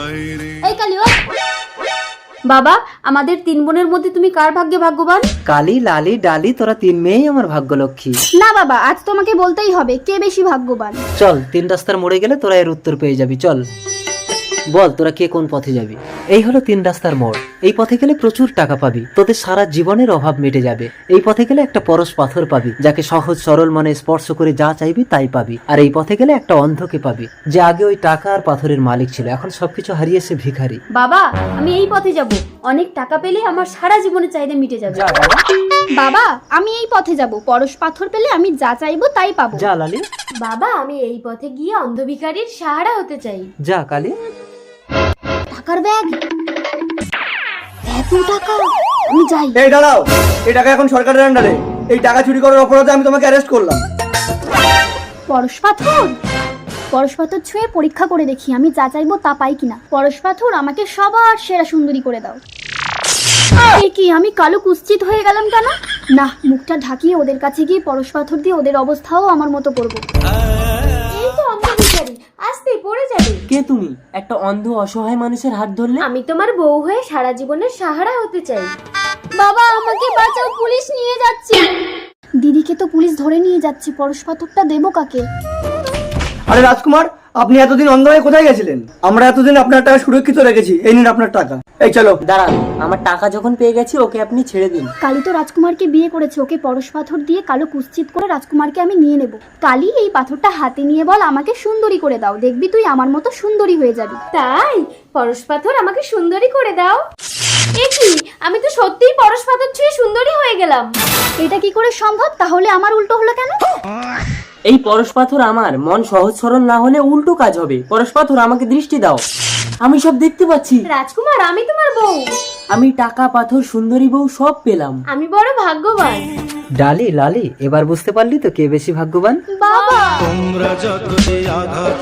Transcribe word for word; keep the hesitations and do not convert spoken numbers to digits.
এই কালি ও বাবা, আমাদের তিন বোনের মধ্যে তুমি কার ভাগ্যে ভাগ্যবান? কালি, লালি, ডালি, তোরা তিন মেয়েই আমার ভাগ্যলক্ষ্মী। না বাবা, আজ তোমাকে বলতেই হবে কে বেশি ভাগ্যবান। চল, তিন রাস্তার মোড়ে গেলে তোরা এর উত্তর পেয়ে যাবি। চল বল তোরা কে কোন পথে যাবি। এই হলো তিন রাস্তার মোড়। এই পথে গেলে প্রচুর টাকা পাবি, তোদের সারা জীবনের অভাব মিটে যাবে। এই পথে গেলে একটা পরশ পাথর পাবি, যাকে সহজ সরল মনে স্পর্শ করে যা চাইবি তাই পাবি। আর এই পথে গেলে একটা অন্ধকে পাবি, যে আগে ওই টাকা আর পাথরের মালিক ছিল, এখন সবকিছু হারিয়েছে ভিখারি। বাবা, আমি এই পথে যাব, অনেক টাকা পেলে আমার সারা জীবনের চাহিদা মিটে যাবে। বাবা, আমি এই পথে যাব, পরশ পাথর পেলে আমি যা চাইবো তাই পাবো। যা লালি। বাবা, আমি এই পথে গিয়ে অন্ধ ভিখারির সাহারা হতে চাই। যা কালি। টাকার ব্যাগ, এত টাকা, আমি যাই। এই দাঁড়াও, এই টাকা এখন সরকারের আন্ডারে। এই টাকা চুরি করার অপরাধে আমি তোমাকে অ্যারেস্ট করলাম। পরশ পাথর, পরশ পাথর ছুঁয়ে পরীক্ষা করে দেখি আমি যা চাইবো তা পাই কিনা। পরশ পাথর, আমাকে সবার সেরা সুন্দরী করে দাও। এ কি, আমি কালো কুৎসিত হয়ে গেলাম কেন? না, মুখটা ঢাকিয়ে ওদের কাছে গিয়ে পরশ পাথর দিয়ে ওদের অবস্থাও আমার মতো করবো। এই তো অন্ধ ভিখারি, আস্তে পড়ে যাবে। কে তুমি? একটা অন্ধ অসহায় মানুষের হাত ধরলে? আমি তোমার বউ হয়ে সারা জীবনের সাহারা হতে চাই। বাবা, আমাকে বাঁচাও, পুলিশ নিয়ে যাচ্ছে। দিদিকে তো পুলিশ ধরে নিয়ে যাচ্ছে, পরশ পাথরটা দেবো কাকে? আরে রাজকুমার, আপনি এতদিন অন্ধ হয়ে কোথায় গেছিলেন? আমরা এতদিন আপনার টাকা সুরক্ষিত রেখেছি। এই নিন আপনার টাকা। এই চলো। দাঁড়ান, আমার টাকা যখন পেয়ে গেছি ওকে আপনি ছেড়ে দিন। কালী তো রাজকুমারকে বিয়ে করেছে, ওকে পরশ পাথর দিয়ে কালো কুৎসিত করে রাজকুমারকে আমি নিয়ে নেব। কালী, এই পাথরটা হাতে নিয়ে বল আমাকে সুন্দরী করে দাও, দেখবি তুই আমার মতো সুন্দরী হয়ে যাবি। তাই পরশ পাথর আমাকে সুন্দরী করে দাও। এ কি, আমি তো সত্যিই পরশ পাথর ছুঁয়ে সুন্দরী হয়ে গেলাম। এটা কি করে সম্ভব? তাহলে আমার উল্টো হলো কেন? এই পরশ পাথর আমার, মন সহজ সরল না হলে উল্টো কাজ হবে। পরশ পাথর, আমাকে দৃষ্টি দাও, আমি সব দেখতে পাচ্ছি। রাজকুমার, আমি তোমার বউ। আমি টাকা, পাথর, সুন্দরী বউ সব পেলাম। আমি বড় ভাগ্যবান। ডালি, লালি, এবার বুঝতে পারলি তো কে বেশি ভাগ্যবান? বাবা, তোমরা যতই আঘাত